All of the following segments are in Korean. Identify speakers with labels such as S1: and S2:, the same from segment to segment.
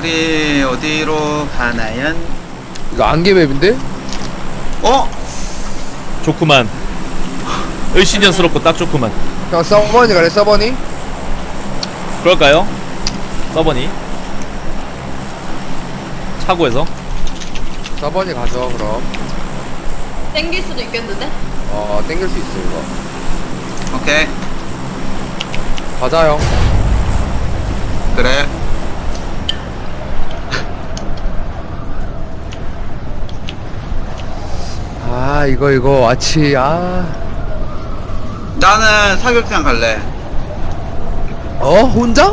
S1: 우리 어디로 가나요?
S2: 이거 안개맵인데?
S1: 어?
S3: 좋구만. 을씨년스럽고 딱 좋구만.
S2: 그냥 서버니 갈래 서버니?
S3: 그럴까요? 서버니 차고에서
S2: 서버니 가죠 그럼.
S4: 땡길 수도 있겠는데?
S2: 땡길 수 있어 이거.
S1: 오케이.
S2: 가자 형.
S1: 그래.
S2: 아 이거 와치
S1: 나는 사격장 갈래.
S2: 혼자?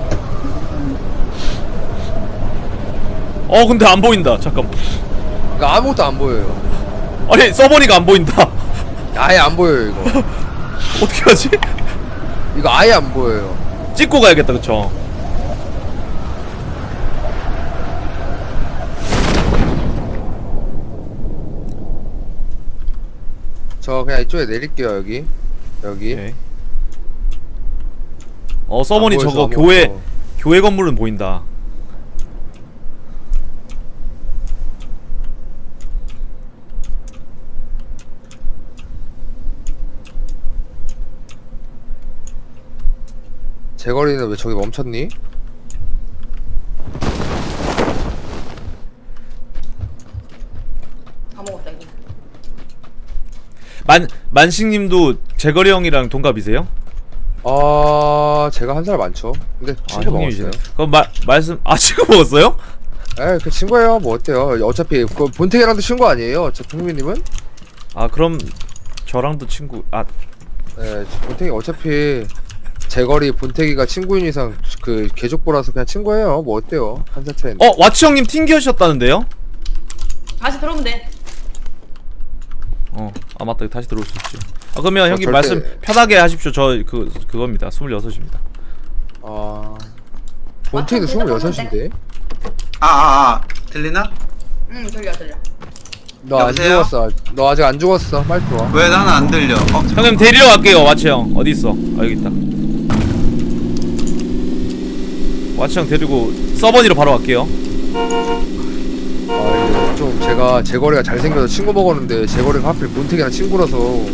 S3: 근데 안 보인다. 잠깐만.
S2: 이거 아무것도 안 보여요.
S3: 아니 서버니가 안 보인다.
S2: 아예 안 보여요 이거.
S3: 어떻게 하지?
S2: 이거 아예 안 보여요.
S3: 찍고 가야겠다. 그쵸?
S2: 저 그냥 이쪽에 내릴게요 여기.
S3: 오케이. 서버니
S2: 안 보여서
S3: 저거
S2: 아무것도.
S3: 교회 건물은 보인다.
S2: 제거리는 왜 저기 멈췄니?
S4: 다 먹었다 이거.
S3: 만식님도 재거리 형이랑 동갑이세요?
S2: 제가 한 살 많죠. 근데 친구 먹었어요.
S3: 그럼 말씀 지금 먹었어요?
S2: 그 친구예요. 뭐 어때요? 어차피 그 본태기랑도 친구 아니에요? 저 풍민님은?
S3: 그럼 저랑도 친구.
S2: 본태기 어차피 제거리 본태기가 친구인 이상 그 개족보라서 그냥 친구예요. 뭐 어때요? 한 살 차이인데.
S3: 와치 형님 튕기셨다는데요?
S4: 다시 들어오면 돼.
S3: 맞다. 다시 들어올 수 있지. 그러면 형님
S2: 절대-
S3: 말씀 편하게 하십시오. 저 그겁니다. 26입니다.
S2: 본태기도
S4: 맞춰,
S2: 26인데?
S1: 들리나?
S4: 응 들려.
S2: 너 안
S1: 여보세요?
S2: 죽었어. 너 아직 안 죽었어. 빨리 들어와.
S1: 왜 나는 안 들려?
S3: 형님 데리러 갈게요. 와치 형 어디 있어? 여기 있다. 와치 형 데리고 서버니로 바로 갈게요.
S2: 이게 좀 제가 제거리가 잘생겨서 친구 먹었는데 제거리가 하필 본태기랑 친구라서.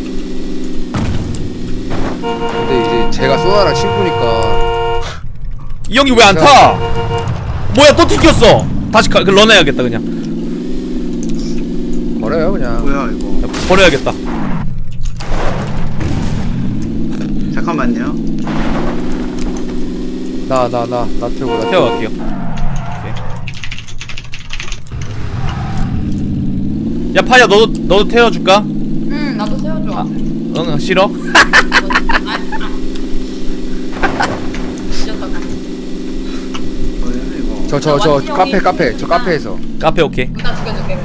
S2: 근데 이제 제가 소나랑 친구니까
S3: 이 형이 왜 안 타? 뭐야 또 튕겼어. 다시 런해야겠다 그냥.
S2: 버려요 그냥.
S1: 뭐야 이거?
S3: 버려야겠다.
S1: 잠깐만요.
S2: 나 태우고 나
S3: 태워갈게요. 오케이. 야 파야 너도 태워줄까?
S4: 응 나도 세워줘.
S3: 응 싫어?
S4: 뒤졌다.
S1: 뭐야 이거?
S2: 저 카페 저 카페에서.
S3: 카페 오케이.
S4: 나 죽여줄게.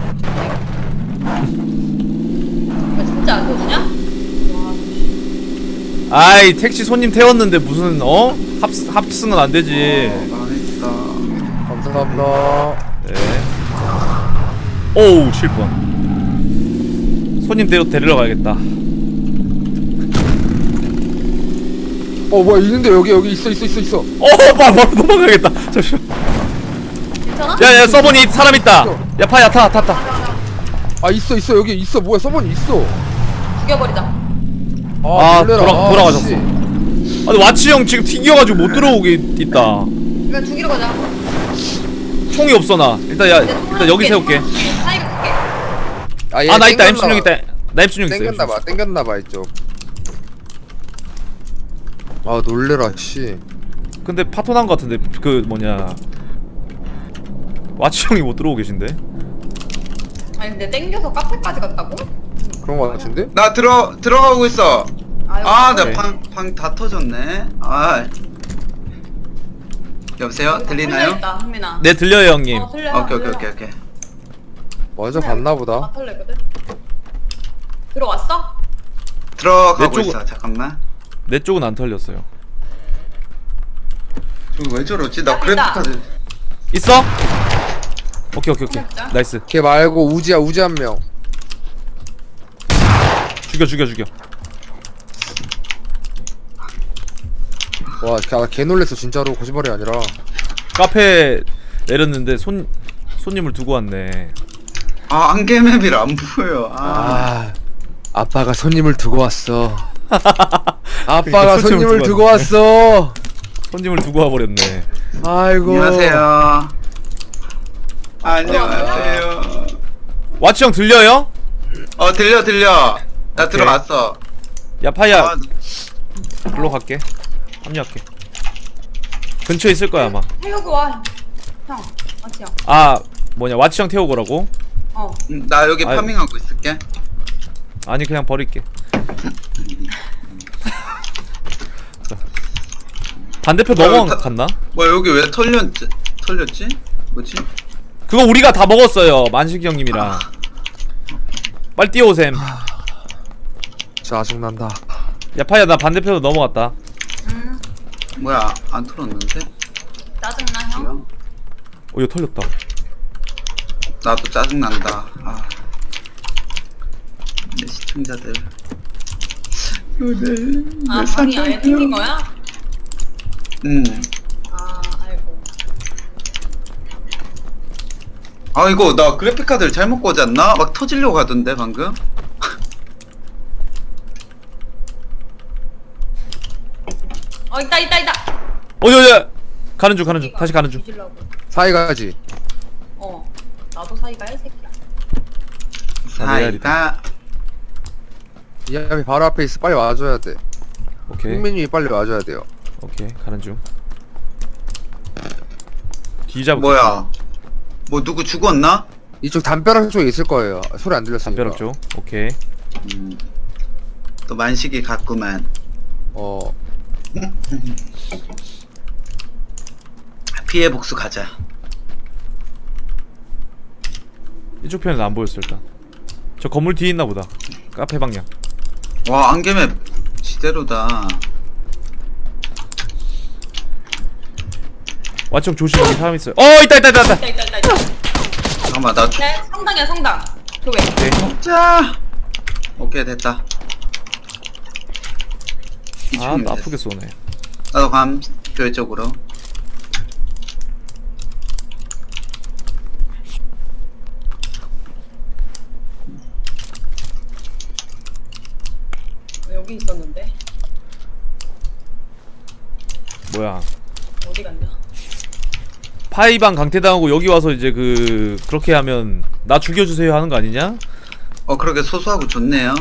S4: 진짜 안 터지냐? 와.
S3: 아이 택시 손님 태웠는데 무슨 합승은 안 되지.
S1: 망했다.
S2: 감사합니다.
S3: 네. 오우 7번. 손님 데리러 가야겠다.
S2: 뭐야 있는데 여기 있어.
S3: 바로 넘어가야겠다. 잠시만.
S4: 괜찮아?
S3: 야야 서버니 사람 있다. 야 파야 타.
S2: 있어 여기 있어. 뭐야 서버니 있어.
S4: 죽여버리자.
S2: 놀래라.
S3: 돌아가셨어.
S2: 씨.
S3: 아니 와치 형 지금 튕겨가지고 못 들어오게 있다.
S4: 그냥 죽이러 가자.
S3: 총이 없어 나. 일단 여기 세울게.
S4: 사이가 줄게.
S2: 얘
S3: 나 있다.
S2: 땡겼나
S3: M16
S2: 봐.
S3: 있다. 나 M16 있어.
S2: 땡겼나봐 이쪽. 놀래라 씨.
S3: 근데 파토 난 거 같은데 그 뭐냐 와치 형이 못 들어오고 계신데.
S4: 아니 근데 땡겨서 카페까지 갔다고?
S2: 그런 거 같은데?
S1: 나 들어가고 있어. 나
S3: 오케이.
S1: 방 다 터졌네. 여보세요? 들리나요?
S4: 있다, 흥민아.
S3: 네 들려요 형님.
S4: 들려.
S1: 오케이.
S2: 먼저 갔나보다.
S4: 다 털렸거든. 들어왔어?
S1: 들어가고
S3: 내 쪽은-
S1: 있어. 잠깐만.
S3: 내 쪽은 안 털렸어요.
S1: 저기 왜 저러지? 나
S4: 있다.
S1: 그래픽카드.
S3: 있어? 오케이.
S4: 진짜?
S3: 나이스.
S2: 걔 말고 우지 한 명.
S3: 죽여.
S2: 와, 걔 놀랬어 진짜로 거짓말이 아니라.
S3: 카페 내렸는데 손님을 두고 왔네.
S1: 아 안개맵이라 안 보여.
S2: 아빠가 손님을 두고 왔어. 아빠가
S3: 그러니까
S2: 손님을 두고 왔어.
S3: 손님을 두고 와버렸네.
S2: 아이고.
S1: 안녕하세요. 안녕하세요.
S3: 와치 형 들려요?
S1: 들려. 나
S3: 오케이.
S1: 들어왔어.
S3: 야 파이야
S1: 아,
S3: 글로 갈게. 합류할게. 근처에 있을 거야 아마.
S4: 태우고 와. 형, 맞지 형.
S3: 아 뭐냐 와치 형 태우고라고?
S1: 나 여기
S3: 아유.
S1: 파밍하고 있을게.
S3: 아니 그냥 버릴게. 자. 반대편 넘어갔나?
S1: 뭐야 여기 왜 털렸지? 뭐지?
S3: 그거 우리가 다 먹었어요 만식이 형님이랑. 빨리 뛰어오셈.
S2: 짜증난다.
S3: 야 파이야 나 반대편으로 넘어갔다.
S1: 뭐야 안 털었는데?
S4: 짜증나 형.
S3: 이거 털렸다.
S1: 나도 짜증난다. 내 시청자들.
S4: 아 방이 아예 생긴 거야? 아 알고.
S1: 이거 나 그래픽카드를 잘못 꽂았나? 막 터지려고 하던데 방금?
S4: 있다.
S3: 어디야 가는 중 다시 가는 중.
S4: 뒤질라고.
S2: 사이가지.
S4: 나도 사이가 이 새끼야.
S1: 사이가
S2: 이 앞에 바로 앞에 있어. 빨리 와줘야 돼.
S3: 오케이
S2: 국민님이 빨리 와줘야 돼요.
S3: 오케이 가는 중. 뒤잡고.
S1: 뭐야? 뭐 누구 죽었나?
S2: 이쪽 담벼락 쪽에 있을 거예요. 소리 안 들렸으니까.
S3: 담벼락 쪽. 오케이.
S1: 또 만식이 갔구만. 피해 복수 가자.
S3: 이쪽 편은 안 보였어 일단. 저 건물 뒤에 있나 보다. 카페 방향.
S1: 와 안개맵 지대로다.
S3: 와청 조심 여기 사람 있어요. 있다.
S4: 있다.
S1: 잠깐만 나
S4: 네, 성당이야 성당. 교회.
S1: 자. 오케이 됐다.
S3: 아, 나 아프게 쏘네.
S1: 나도 감 교회 쪽으로.
S4: 여기 있었는데
S3: 뭐야?
S4: 어디 갔냐?
S3: 파이방 강퇴당하고 여기 와서 이제 그렇게 하면 나 죽여주세요 하는 거 아니냐?
S1: 그러게 소소하고 좋네요.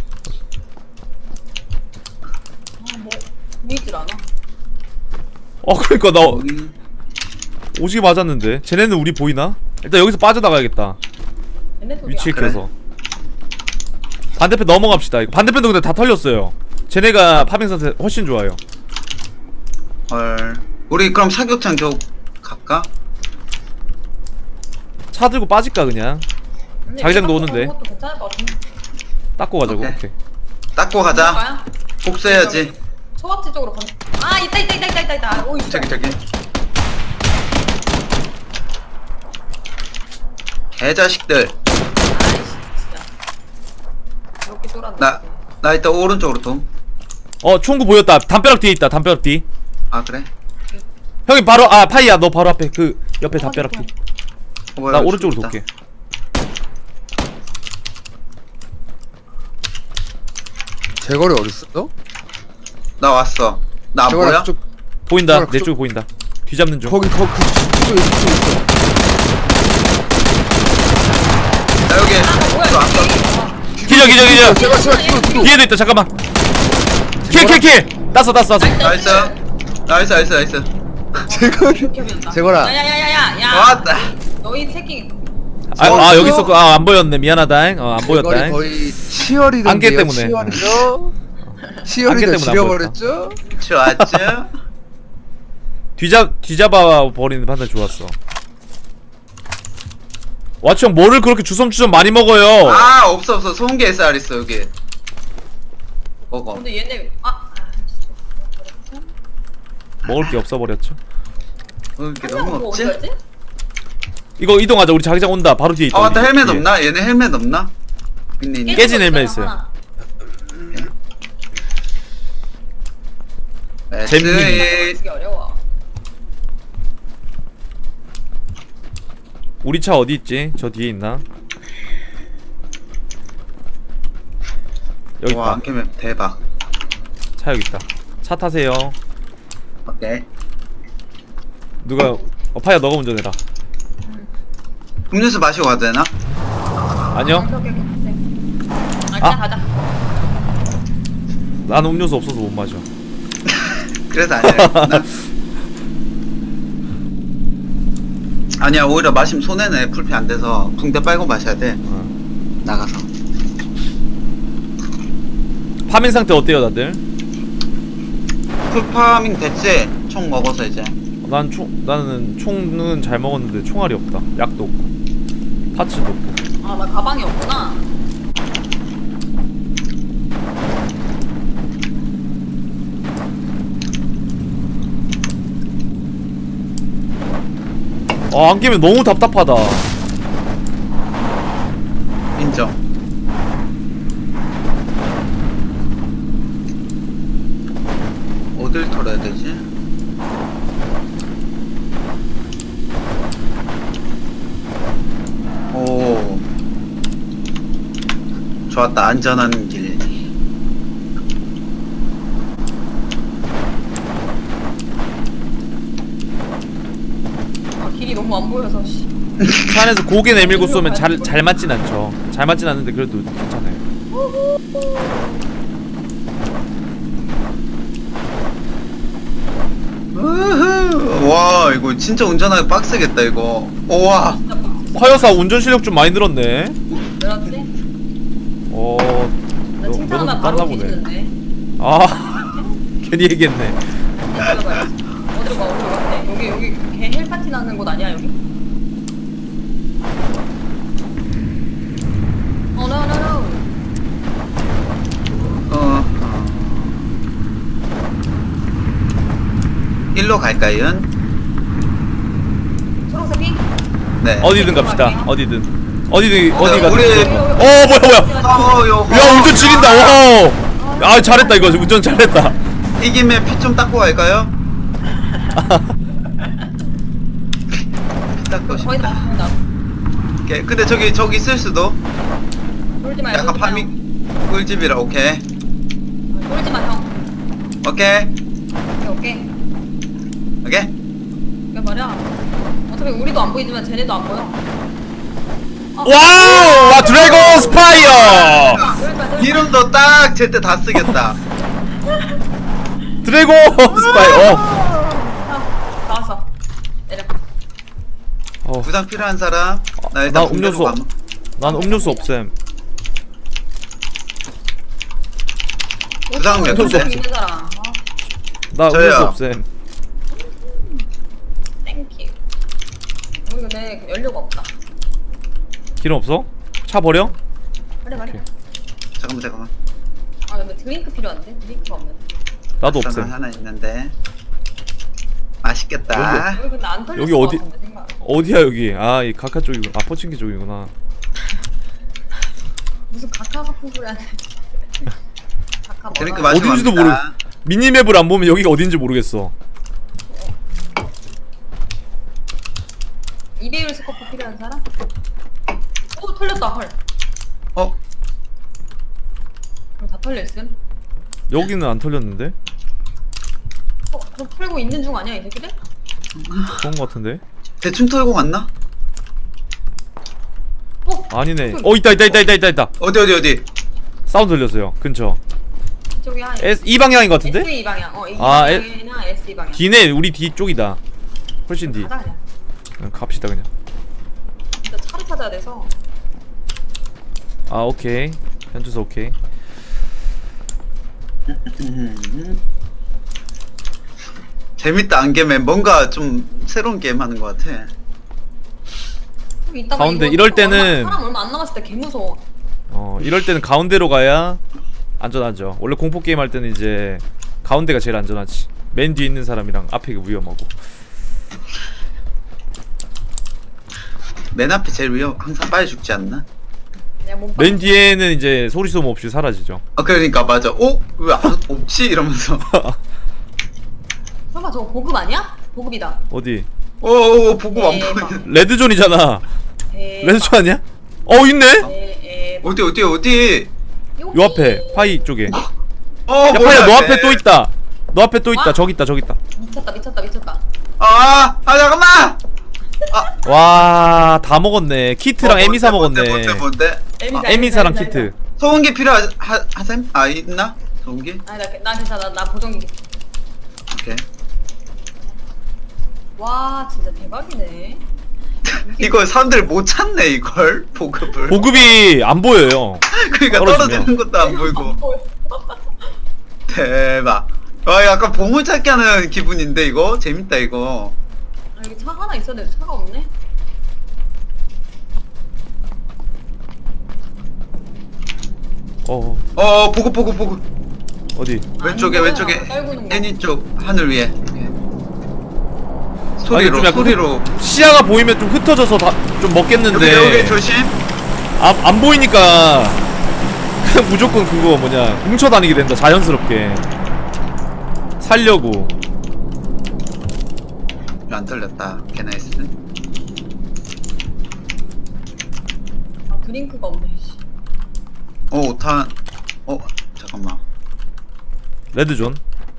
S4: 뭐 보이질 않아.
S3: 그러니까 나
S1: 여기
S3: 오지게 맞았는데. 쟤네는 우리 보이나? 일단 여기서 빠져나가야겠다.
S4: 얘네 소리야.
S3: 위치에
S1: 그래.
S3: 껴서. 반대편 넘어갑시다. 이거 반대편도 근데 다 털렸어요. 쟤네가 파밍 상태 훨씬 좋아요.
S1: 헐. 우리 그럼 사격장 쪽 갈까?
S3: 차 들고 빠질까 그냥.
S4: 근데
S3: 자기장도
S4: 얘가
S3: 오는데.
S4: 것도 괜찮을 것 같은데.
S3: 닦고 가자고.
S1: 오케이.
S3: 오케이.
S1: 닦고 가자.
S4: 가야?
S1: 복수해야지.
S4: 초밥집 쪽으로 가. 있다. 오 있어.
S1: 저기. 개자식들.
S4: 진짜. 이렇게 쫄았네.
S1: 나 이따 오른쪽으로 돔.
S3: 총구 보였다. 담벼락 뒤에 있다. 담벼락 뒤.
S1: 그래?
S3: 형이 바로 파이야 너 바로 앞에 그 옆에 담벼락 뒤.
S1: 뭐야,
S3: 나
S1: 여기
S3: 오른쪽으로
S1: 죽었다.
S3: 돌게.
S2: 제거리 어딨어?
S1: 나 왔어. 나 안
S2: 제거리
S1: 보여?
S2: 그쪽
S3: 보인다.
S2: 그쪽-
S3: 내 쪽에 보인다. 뒤잡는 중.
S2: 그쪽에 있어.
S1: 나 여기
S4: 뭐야
S1: 또 왔어.
S4: 이게.
S3: 기절.
S2: 제발 뒤로.
S3: 뒤에도 있다. 잠깐만. 킬. 땄어.
S1: 나이스.
S2: 제거리. 제거라.
S4: 야야야야야.
S1: 왔다.
S4: 너희 새끼.
S3: 여기 있었고. 안 보였네. 미안하다. 안
S2: 제거리
S3: 보였다.
S2: 거의 치어리더.
S3: 안개 때문에.
S2: 치어리더.
S3: 안개
S2: 치어리더
S3: 때문에 안
S2: 지려버렸죠?
S1: 좋았죠?
S3: 뒤잡아 버리는 판단 좋았어. 와치 형 뭐를 그렇게 주섬주섬 많이 먹어요?
S1: 없어. 소음기 SR 있어 여기. 먹어.
S4: 근데 얘네
S3: 먹을 게 없어 버렸죠.
S1: 이게 너무
S4: 뭐
S1: 없지?
S4: 어디 갔지?
S3: 이거 이동하자. 우리 자기장 온다. 바로 뒤에 있다.
S1: 맞다.
S3: 우리
S1: 헬멧
S3: 뒤에.
S1: 없나? 얘네 헬멧 없나? 있네.
S3: 깨진 헬멧 있어요.
S4: 하나.
S3: 잼님.
S1: SE
S4: 되게 어려워.
S3: 우리 차 어디 있지? 저 뒤에 있나? 여기
S1: 와
S3: 있다.
S1: 안개맵 대박.
S3: 차 여기 있다. 차 타세요.
S1: 오케이.
S3: 누가 파야 너가 운전해라.
S1: 음료수 마시고 가도 되나?
S3: 아니요.
S4: 오케이. 네. 아,
S3: 아.
S4: 그냥 가자.
S3: 난 음료수 없어서 못 마셔.
S1: 그래서 아니라 아니야 오히려 마시면 손해네. 풀피 안 돼서 붕대 빨고 마셔야 돼. 나가서.
S3: 파밍 상태 어때요 다들?
S1: 풀파밍 됐지? 총 먹어서 이제.
S3: 나는 총은 잘 먹었는데 총알이 없다. 약도 없고 파츠도 없고.
S4: 아, 나 가방이 없구나.
S3: 아, 안 깨면 너무 답답하다.
S1: 인정. 어딜 털어야 되지? 오. 좋았다. 안전한 길.
S4: 아, 길이 너무 안 보여서, 씨.
S3: 차 안에서 고개 내밀고 쏘면 잘 맞진 않죠. 잘 맞진 않는데 그래도 괜찮아요.
S1: 우후. 와, 이거 진짜 운전하기 빡세겠다, 이거. 우와.
S4: 진짜 빡세.
S3: 화여사 운전 실력 좀 많이 늘었네.
S4: 그렇지? 나 칭찬하면
S3: 너도
S4: 바로
S3: 땄나 보네.
S4: 뒤지는데.
S3: 아 괜히 얘기했네.
S4: 어디로 가? 어디로 가? 여기 개 헬파티 나는 곳 아니야, 여기? no.
S1: 일로 갈까요?
S4: 초록색 핑?
S1: 네.
S3: 어디든 갑시다. 어디든 어디가
S1: 우리-
S3: 됐어. 뭐야. 야 운전 지린다. 와. 아 잘했다 이거 운전 잘했다.
S1: 이기면 피 좀 닦고 갈까요? 피 닦고
S4: 거의 다
S1: 싶다.
S4: 왔습니다.
S1: 오케이. 근데 저기 있을 수도.
S4: 돌지 마요.
S1: 약간 파밍 꿀집이라. 오케이.
S4: 돌지 마, 형.
S1: 오케이.
S4: 오케이.
S1: 오케이.
S4: 그게 말이야. 어차피 우리도 안 보이지만 쟤네도 안 보여.
S3: 와우! 와 드래곤 스파이어!
S1: 이름도 딱 제때 다 쓰겠다.
S3: 드래곤 스파이어.
S4: 다 왔어. 내려.
S1: 부상 필요한 사람? 나 일단
S3: 나
S1: 붕대로
S3: 음료수
S1: 감-
S3: 난 음료수 없음.
S1: 부상 몇
S3: 군데?
S4: 있는 사람.
S3: 나
S1: 저요.
S3: 음료수 없음.
S4: 땡큐. 우리 근데 연료가 없다.
S3: 기름 없어? 차 버려?
S4: 그래.
S1: 잠깐만.
S4: 아 근데 드링크 필요한데? 드링크가 없는데.
S3: 나도
S1: 저는
S3: 없음.
S1: 하나 있는데. 맛있겠다.
S4: 여기 근데 안 털렸을
S3: 여기
S4: 것
S3: 어디-
S4: 같은데 생각.
S3: 어디야 여기? 아 이 가카 쪽이구나. 아 포칭키 쪽이구나.
S4: 무슨 가카 같은 소리 하네. 가카
S1: 드링크
S4: 뭐라?
S1: 마시고
S3: 어딘지도
S1: 갑니다.
S3: 미니맵을 안 보면 여기가 어딘지 모르겠어.
S4: 이베일 스코프 필요한 사람? 오 털렸다 헐.
S1: 어?
S4: 그럼 다 털렸음?
S3: 여기는 안 털렸는데?
S4: 그럼 털고 있는 중 아니야 이 새끼들?
S3: 그런 거 같은데?
S1: 대충 털고 갔나?
S3: 아니네. 있다.
S1: 어디?
S3: 사운드 들렸어요. 근처.
S4: 이쪽이야.
S3: 이 방향인 것 같은데?
S4: S2 방향. 이
S3: 아,
S4: 방향이나 S2 방향.
S3: 뒤네. 우리 뒤쪽이다. 훨씬 뒤.
S4: 가자 그냥.
S3: 갑시다 그냥.
S4: 진짜 차를 찾아야 돼서.
S3: 아 오케이. 현주소 오케이.
S1: 재밌다. 안개맨 뭔가 좀 새로운 게임 하는 것 같아.
S4: 좀 이따가
S3: 가운데
S4: 이거
S3: 이럴
S4: 또
S3: 때는-
S4: 사람 얼마 안 남았을 때 개 무서워.
S3: 이럴 때는 가운데로 가야 안전하죠. 원래 공포 게임 할 때는 이제 가운데가 제일 안전하지. 맨 뒤에 있는 사람이랑 앞에 위험하고.
S1: 맨 앞에 제일 항상 빨리 죽지 않나?
S4: 내가 몸
S3: 맨 뒤에는 이제 소리 소모 없이 사라지죠.
S1: 아 그러니까 맞아. 왜 없지? 이러면서.
S4: 설마 저거 보급 아니야? 보급이다.
S3: 어디?
S1: 오 보고 안
S4: 대박.
S1: 보이네.
S3: 레드존이잖아.
S4: 대박.
S3: 레드존 아니야? 있네?
S4: 대박.
S1: 어디?
S3: 요 앞에 파이 쪽에. 야
S1: 뭐야,
S3: 파이야 너
S1: 쟤.
S3: 앞에 또 있다. 너 앞에 또 있다.
S4: 와.
S3: 저기 있다.
S4: 미쳤다.
S1: 잠깐만.
S3: 와 다 먹었네. 키트랑 에미사 먹었네.
S1: 뭔데?
S3: 에미사랑 키트.
S1: 소음기 필요하셈? 있나? 소음기?
S4: 아니 나 괜찮아. 나 보정기.
S1: 오케이.
S4: 와 진짜 대박이네.
S1: 이거 사람들 못 찾네 이걸 보급을.
S3: 보급이 안 보여요.
S1: 그러니까
S3: 떨어지면.
S1: 떨어지는 것도 안 보이고.
S4: 안 보여.
S1: 대박. 와 약간 보물찾기 하는 기분인데 이거 재밌다 이거.
S4: 여기 차 하나 있어야 돼. 차가 없네.
S1: 보급.
S3: 어디?
S1: 왼쪽에
S4: 보여.
S1: 왼쪽에
S4: 떨구는 거.
S1: 애니 쪽 하늘 위에.
S3: 좀
S1: 소리로
S3: 약간
S1: 소리로.
S3: 시야가 보이면 좀 흩어져서 좀 먹겠는데
S1: 여기 조심.
S3: 안 보이니까 그냥 무조건 그거 뭐냐 뭉쳐 다니게 된다. 자연스럽게 살려고.
S1: 안 털렸다. 개나이스.
S4: 드링크가 없네. 씨.
S1: 5탄. 잠깐만.
S3: 레드존.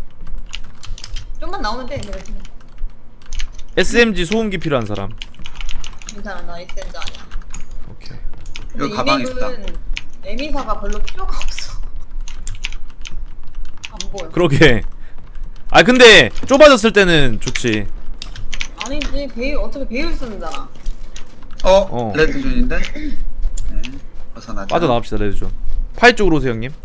S4: 좀만 나오면 돼. 내가 지금.
S3: SMG 소음기 필요한 사람.
S4: 괜찮아. 나 SN자 아니야.
S3: 오케이.
S4: 근데
S1: 여기 가방
S4: 이
S1: 있다.
S4: 맵은 에미사가 별로 필요가 없어. 안 보여.
S3: 그러게. 근데 좁아졌을 때는 좋지.
S4: 아니지. 어차피 배율 쓰는잖아.
S1: 레드존인데? 네. 벗어나자.
S3: 빠져나갑시다 레드존. 파이 쪽으로 오세요 형님.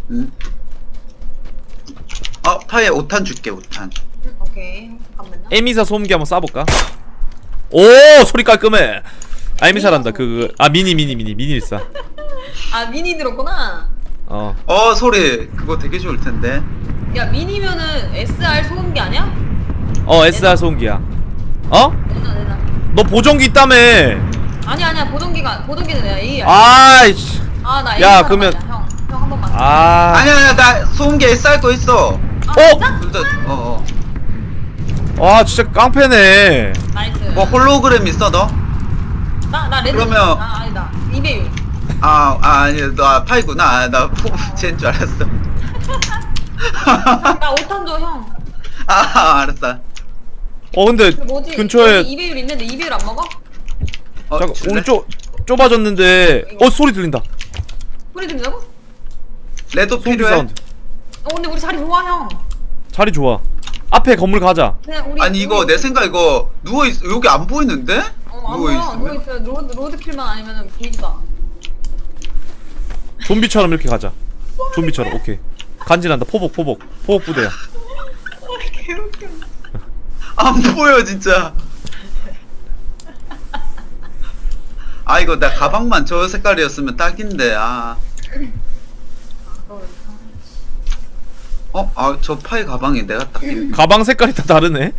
S1: 파에 5탄 줄게 5탄.
S4: 오케이. 잠깐만요.
S3: 에미사 소음기 한번 쏴볼까? 오 소리 깔끔해. 에미사란다. 미니일사.
S4: 미니 들었구나.
S1: 소리 그거 되게 좋을 텐데.
S4: 야 미니면은 SR 소음기 아니야?
S3: SR 소음기야.
S4: 내놔.
S3: 너 보정기 있다며.
S4: 아니야. 보정기는 내가 AR.
S3: 아이씨.
S4: 나
S3: 야,
S4: AR
S3: 그러면-
S4: 형 한 번만.
S1: 아니야 나 소음기 SR 거 있어.
S4: 진짜?
S1: 둘 다.
S3: 진짜 깡패네.
S4: 나이스.
S1: 뭐 홀로그램 있어 너?
S4: 나 레드.
S1: 그러면-
S4: 아니다. 이배율.
S1: 아니 너 파이구나. 나 쟤인 줄 알았어.
S4: 나 5탄 줘 형.
S1: 알았어.
S3: 근데
S4: 그 뭐지?
S3: 근처에
S4: 여기 이배율 있는데 이배율 안 먹어?
S3: 잠깐
S1: 줄래?
S3: 우리 좁아졌는데 소리 들린다.
S4: 소리 들린다고?
S1: 레도
S3: 소음기
S1: 필요해?
S3: 사운드.
S4: 근데 우리 자리 좋아 형.
S3: 자리 좋아. 앞에 건물 가자.
S4: 그냥 우리.
S1: 아니 이거 내 생각 이거 누워 있 여기 안 보이는데?
S4: 안 보여. 누워 있어요. 로드킬만 아니면은 보이지도 않아.
S3: 좀비처럼 이렇게 가자. 좀비처럼. 오케이. 간지난다. 포복 부대야.
S4: 개웃겨.
S1: 안 보여 진짜. 이거 나 가방만 저 색깔이었으면 딱인데. 저 파이 가방이 내가 딱.
S3: 가방 색깔이 다 다르네.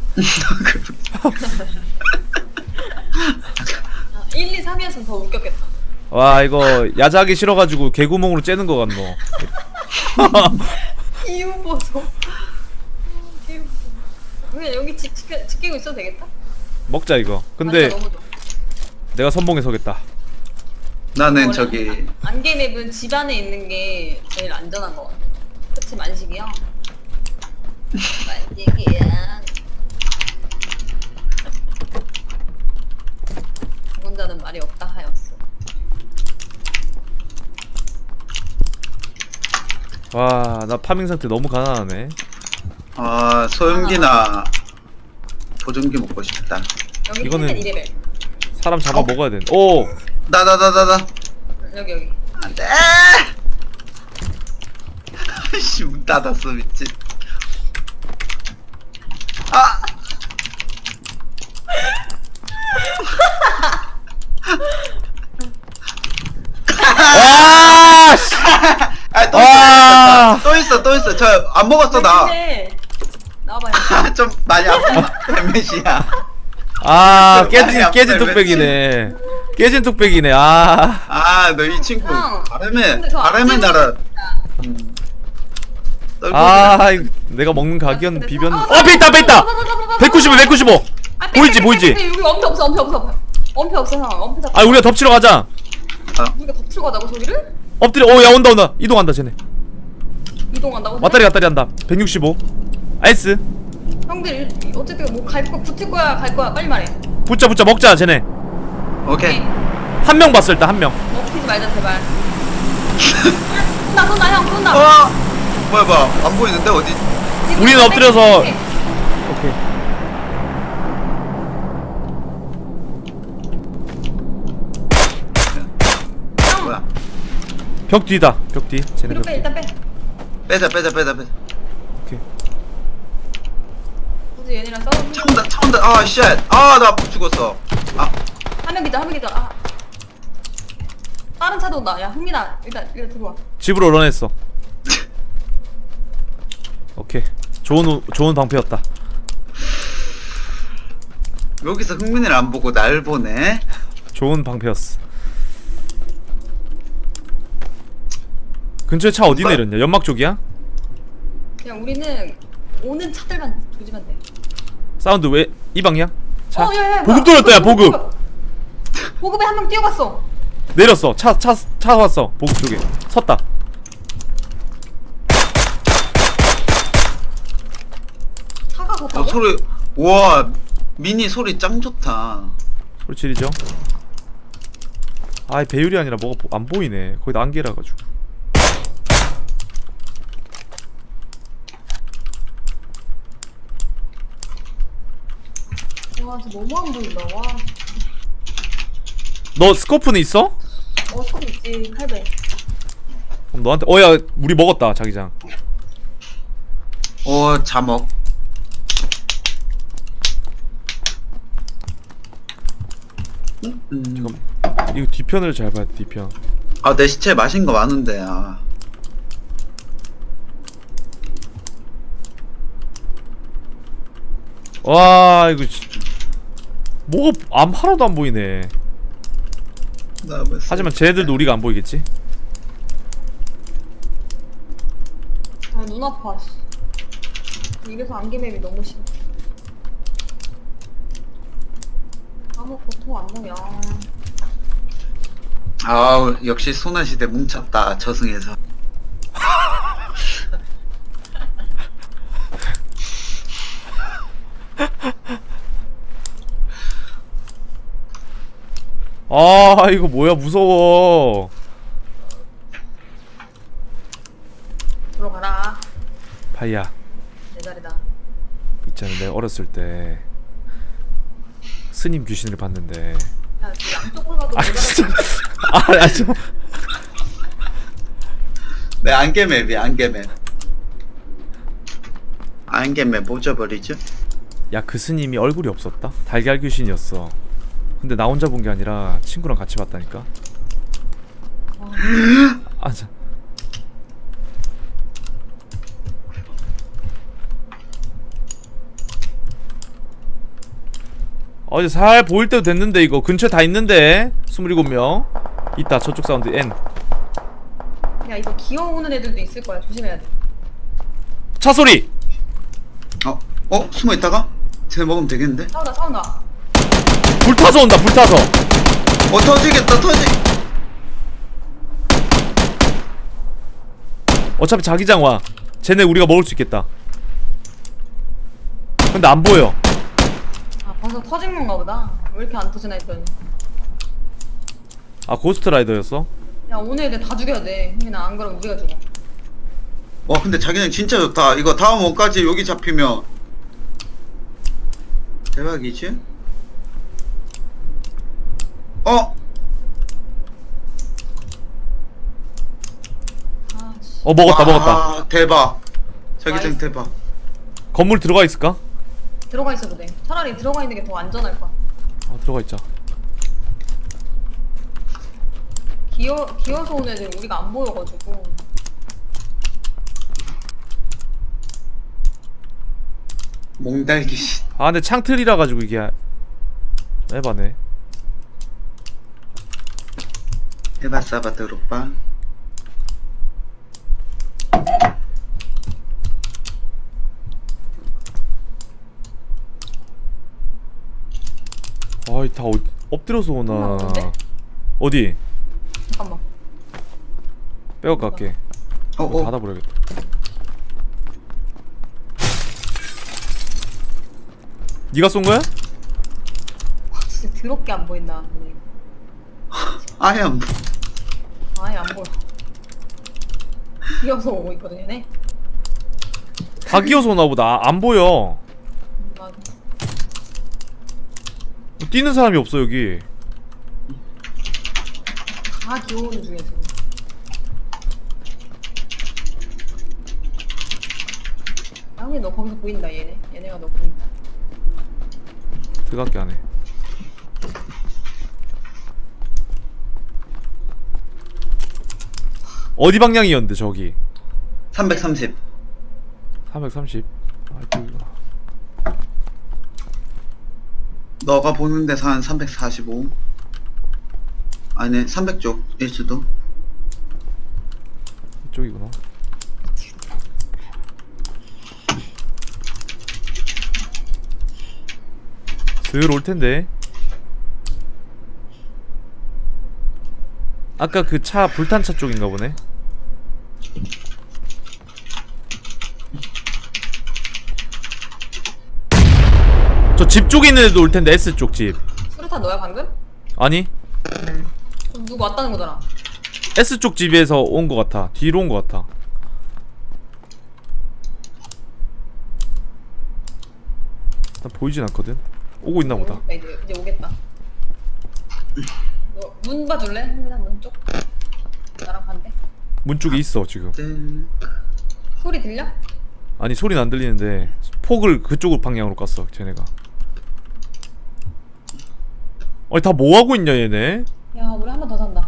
S4: 1, 2, 3이었으면 더 웃겼겠다.
S3: 와 이거 야자하기 싫어가지고 개구멍으로 째는 거 같노.
S4: 이유 보소. 개웃겨. 그냥 여기 지키고 있어도 되겠다.
S3: 먹자 이거. 근데
S4: 너무 좋아.
S3: 내가 선봉에 서겠다.
S1: 나는
S4: 원래
S1: 저기
S4: 안개 맵은 집 안에 있는 게 제일 안전한 것 같아. 그치 만식이야. 만식이야. 혼자는 말이 없다 하였어.
S3: 와 나 파밍 상태 너무 가난하네.
S1: 소염기나 보정기 먹고 싶다.
S4: 여기
S3: 이거는-
S4: 2레벨.
S3: 사람 잡아 먹어야 돼. 오
S1: 나.
S4: 여기.
S1: 안돼. 씨, 문 닫았어 미친.
S3: 와 씨.
S1: 또 있어. 저 안 먹었어 나.
S4: 나와봐요.
S1: 좀 많이 아파. 몇이야?
S3: 깨진 뚝배기네. 깨진 뚝배기네.
S1: 너 이 친구
S4: 형,
S1: 바람의
S4: 근데 저
S1: 바람의
S4: 앞뒤로
S1: 나라.
S3: 내가 먹는 각이었
S4: 그래서-
S3: 비변.
S4: 아,
S3: 배 있다. 195.
S4: 아
S3: 보이지, 보이지?
S4: 여기 엄폐 없어. 엄폐 없어 형. 엄폐 잡.
S3: 아 우리가 덮치러 가자.
S4: 우리가 덮치고 가자고 저기를?
S3: 엎드려. 야 온다. 이동한다 쟤네.
S4: 이동한다고?
S3: 왔다리 갔다리 한다. 165. 아이스.
S4: 형들 어쨌든 뭐 갈 거 붙을 거야 갈 거야 빨리 말해.
S3: 붙자 먹자 쟤네.
S1: 오케이.
S3: 한 명 봤어 일단 한 명.
S4: 먹히지 말자 제발. 쏜다 형 쏜다.
S1: 뭐야 안 보이는데 어디?
S3: 우리는 엎드려서. 오케이.
S1: 뭐야?
S3: 벽 뒤다. 벽 뒤. 쟤네
S4: 뒤로
S3: 벽
S4: 빼
S3: 뒤.
S4: 일단 빼.
S1: 빼자.
S3: 오케이.
S4: 굳이 얘네랑 싸우는.
S1: 차 온다. 아 쉣. 나 죽었어.
S4: 한명 기다. 다른 차도 온다. 야 흥민아 일단 들어와.
S3: 집으로 런했어. 오케이. 좋은 방패였다.
S1: 여기서 흥민이를 안 보고 날 보네.
S3: 좋은 방패였어. 근처에 차 어디 내렸냐? 연막 쪽이야?
S4: 그냥 우리는 오는 차들만 조지면 돼.
S3: 사운드 왜 이 방향? 차.
S4: 야,
S3: 보급 돌렸다 야 보급.
S4: 보급에 한 명 뛰어갔어.
S3: 내렸어. 차 왔어. 보급 쪽에. 섰다.
S4: 차가 섰다고?
S1: 소리. 우와 미니 소리 짱 좋다.
S3: 소리 지르죠? 아이 배율이 아니라 뭐가 안 보이네. 거의 다 안개라 가지고.
S4: 와 진짜 너무 안 보인다. 와.
S3: 너 스코프는 있어?
S4: 소리 있지 800.
S3: 그럼 너한테 야 우리 먹었다 자기장.
S1: 자먹.
S3: 잠깐. 이거 뒤편을 잘 봐야 돼. 뒤편.
S1: 내 시체 마신 거 많은데.
S3: 와 이거 뭐가 하나도 안 보이네. 하지만 쟤네들도 우리가 안 보이겠지?
S4: 눈 아파. 이래서 안개맵이 너무 싫어. 아무 고통 안 보여.
S1: 역시 소나시대 뭉쳤다 저승에서.
S3: 아 이거 뭐야 무서워.
S4: 들어가라.
S3: 파이야
S4: 내 자리다.
S3: 있잖아 내가 어렸을 때 스님 귀신을 봤는데
S4: 야, 그 양쪽으로 가도 내 자리다.
S3: 좀.
S1: 네 안개맵이 안개맵 못 져버리죠?
S3: 야 그 스님이 얼굴이 없었다? 달걀 귀신이었어. 근데 나 혼자 본 게 아니라 친구랑 같이 봤다니까. 자. 이제 살 보일 때도 됐는데 이거 근처에 다 있는데 27명 있다. 저쪽 사운드 N.
S4: 야 이거 기어오는 애들도 있을 거야. 조심해야 돼.
S3: 차 소리.
S1: 숨어 있다가 쟤 먹으면 되겠는데?
S4: 싸운다.
S3: 불타서 온다. 불타서.
S1: 터지겠다
S3: 어차피 자기장 와. 쟤네 우리가 먹을 수 있겠다. 근데 안 보여.
S4: 벌써 터진 건가 보다. 왜 이렇게 안 터지나 했더니.
S3: 고스트 라이더였어?
S4: 야 오늘 애들 다 죽여야 돼. 흥민아 안 그러면 우리가 죽어.
S1: 근데 자기장 진짜 좋다. 이거 다음 원까지 여기 잡히면 대박이지?
S3: 먹었다.
S1: 대박. 자기장
S4: 나이스.
S1: 대박.
S3: 건물 들어가 있을까?
S4: 들어가 있어도 돼. 차라리 들어가 있는 게 더 안전할 거야.
S3: 들어가 있자.
S4: 기어서 온 애들 우리가 안 보여가지고.
S1: 몽달귀신.
S3: 근데 창틀이라 가지고 이게 에바네.
S1: 에바사바 드롭바.
S3: 아이 다 엎드려서 오나.
S4: 뭔데?
S3: 어디?
S4: 잠깐만.
S3: 빼고 갈게.
S1: 어어
S3: 닫아버려야겠다. 네가 쏜 거야?
S4: 와, 진짜 더럽게 안 보인다.
S1: 아예 안 보-
S4: 아예 안 보여. 이어서 오고 있거든 얘네.
S3: 다 기어서 오나 보다. 안 보여.
S4: 맞아.
S3: 뛰는 사람이 없어 여기.
S4: 다 기어오는 중이야 지금. 양이 너 거기서 보인다 얘네. 얘네가 너 보인다.
S3: 들어갈게 안해. 어디 방향이었는데 저기?
S1: 330
S3: 330. 아 저기구나.
S1: 너가 보는 데서 한 345 아니네 300쪽 일 수도.
S3: 이쪽이구나. 슬 올 텐데. 아까 그 차 불탄 차 쪽인가 보네. 저 집 쪽에 있는 애도 올 텐데 S 쪽 집.
S4: 수류탄 너야 방금?
S3: 아니
S4: 그럼 누구 왔다는 거잖아.
S3: S 쪽 집에서 온 거 같아. 뒤로 온 거 같아. 난 보이진 않거든. 오고 있나 보다.
S4: 이제 오겠다. 너 문 봐줄래? 흥민아 문 쪽. 나랑 반대.
S3: 문 쪽에 있어 지금.
S4: 소리 들려?
S3: 아니 소리는 안 들리는데 폭을 그쪽으로 방향으로 깠어 쟤네가. 아니 다 뭐하고 있냐 얘네.
S4: 야 우리 한 번 더 산다.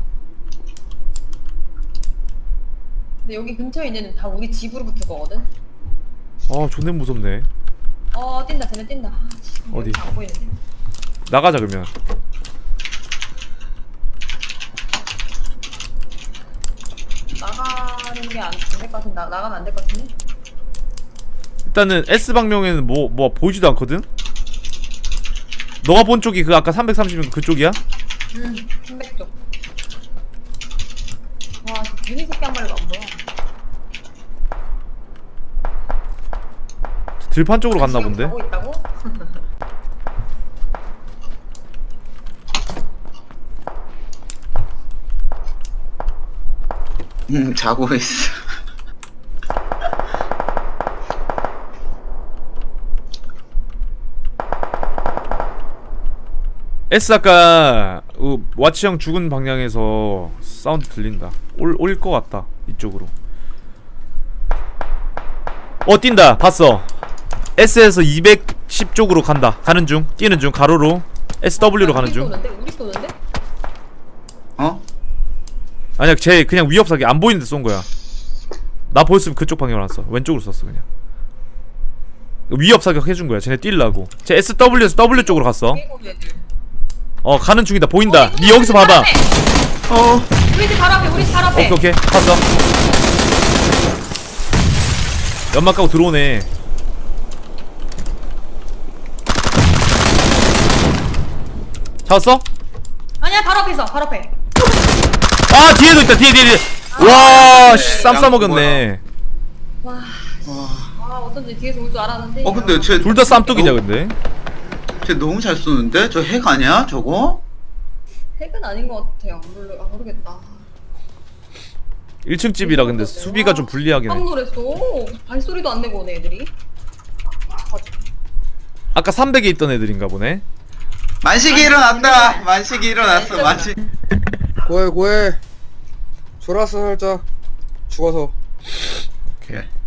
S4: 근데 여기 근처에 있는 애는 다 우리 집으로 붙을 거거든.
S3: 아 존내 무섭네.
S4: 뛴다 쟤네 뛴다. 아, 진짜
S3: 어디?
S4: 여기 안 보이는데.
S3: 나가자 그러면.
S4: 나가는 게 안 될 것 같은데. 나가면 안 될 것 같은데.
S3: 일단은 S 방면에는 뭐 보이지도 않거든. 너가 본 쪽이 그 아까 330은 그쪽이야?
S4: 300쪽. 와, 저 괜히 새끼 한 마리가 안 보여.
S3: 들판 쪽으로 갔나
S4: 지금
S3: 본데.
S4: 가고 있다고?
S1: 자고 있어.
S3: S 아까 와치 형 죽은 방향에서 사운드 들린다. 올 것 같다 이쪽으로. 뛴다. 봤어. S에서 210 쪽으로 간다. 가는 중. 뛰는 중. 가로로 SW로 가는 중.
S4: 우리 쏘는데?
S1: 어?
S3: 아니야 쟤 그냥 위협사기 안 보이는데 쏜 거야. 나 보였으면 그쪽 방향으로 안 써. 왼쪽으로 쐈어 그냥. 위협 사격 해준 거야. 쟤네 뛸라고. 쟤 SW에서 W 쪽으로 갔어. 가는 중이다. 보인다. 니 여기서 봐봐.
S4: 우리 집 바로 앞에, 우리 집 바로 앞에.
S3: 오케이 봤어. 연막 까고 들어오네. 잡았어?
S4: 아니야, 바로 앞에 있어, 바로 앞에.
S3: 아 뒤에도 있다. 뒤에. 와, 씨, 쌈 싸먹였네.
S4: 와, 어쩐지 뒤에서 올 줄 알았는데.
S1: 근데 쟤
S3: 둘 다 쌈뚝이냐 근데.
S1: 쟤 너무 잘 쏘는데? 저 핵 아니야 저거?
S4: 핵은 아닌 것 같아요. 모르겠다.
S3: 1층 집이라 근데 수비가 좀 불리하긴 해.
S4: 깜 놀랐어. 발소리도 안 내고 오네 애들이.
S3: 아까 300에 있던 애들인가 보네.
S1: 만식이 일어났다. 만식이 일어났어. 만식.
S2: 고해 졸았어 살짝 죽어서.
S3: 오케이.